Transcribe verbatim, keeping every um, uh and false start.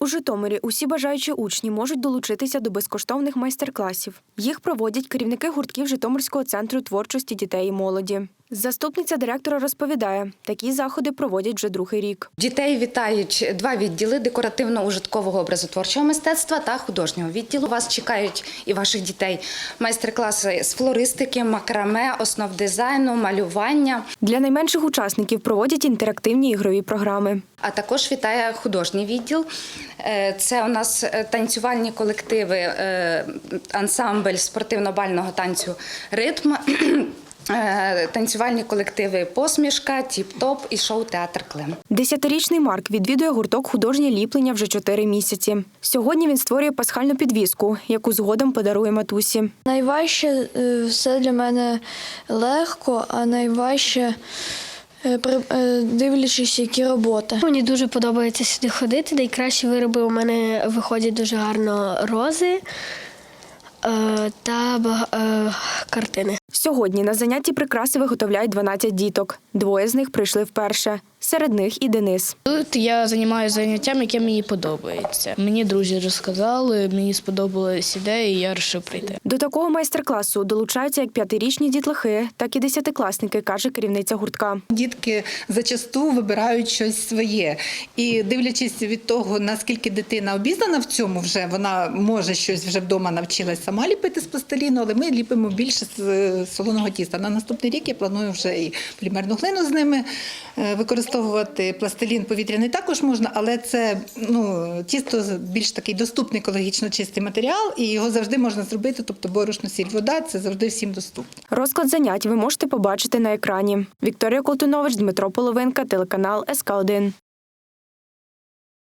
У Житомирі усі бажаючі учні можуть долучитися до безкоштовних майстер-класів. Їх проводять керівники гуртків Житомирського центру творчості дітей і молоді. Заступниця директора розповідає, такі заходи проводять вже другий рік. Дітей вітають два відділи – декоративно-ужиткового образотворчого мистецтва та художнього відділу. Вас чекають і ваших дітей майстер-класи з флористики, макраме, основ дизайну, малювання. Для найменших учасників проводять інтерактивні ігрові програми. А також вітає художній відділ. Це у нас танцювальні колективи, ансамбль спортивно-бального танцю «Ритм», танцювальні колективи «Посмішка», «Тіп-топ» і шоу-театр «Клим». Десятирічний Марк відвідує гурток «Художнє ліплення» вже чотири місяці. Сьогодні він створює пасхальну підвіску, яку згодом подарує матусі. Найважче все для мене легко, а найважче дивлячись, які роботи. Мені дуже подобається сюди ходити. Найкращі вироби у мене виходять дуже гарно рози та картини. Сьогодні на занятті прикраси виготовляють дванадцять діток. Двоє з них прийшли вперше. Серед них і Денис. Тут я займаюся заняттям, яке мені подобається. Мені друзі розказали, мені сподобалась ідея, і я вирішив прийти. До такого майстер-класу долучаються як п'ятирічні дітлахи, так і десятикласники, каже керівниця гуртка. Дітки зачасту вибирають щось своє. І дивлячись від того, наскільки дитина обізнана в цьому вже, вона може щось вже вдома навчилась сама ліпити з пластиліну, але ми ліпимо більше з солоного тіста. На наступний рік я планую вже і полімерну глину з ними використовувати. Пластилін повітряний також можна, але це ну, тісто більш такий доступний, екологічно чистий матеріал, і його завжди можна зробити, тобто борошно, сіль, вода, це завжди всім доступно. Розклад занять ви можете побачити на екрані. Вікторія Колтунович, Дмитро Половинка, телеканал ес ка один.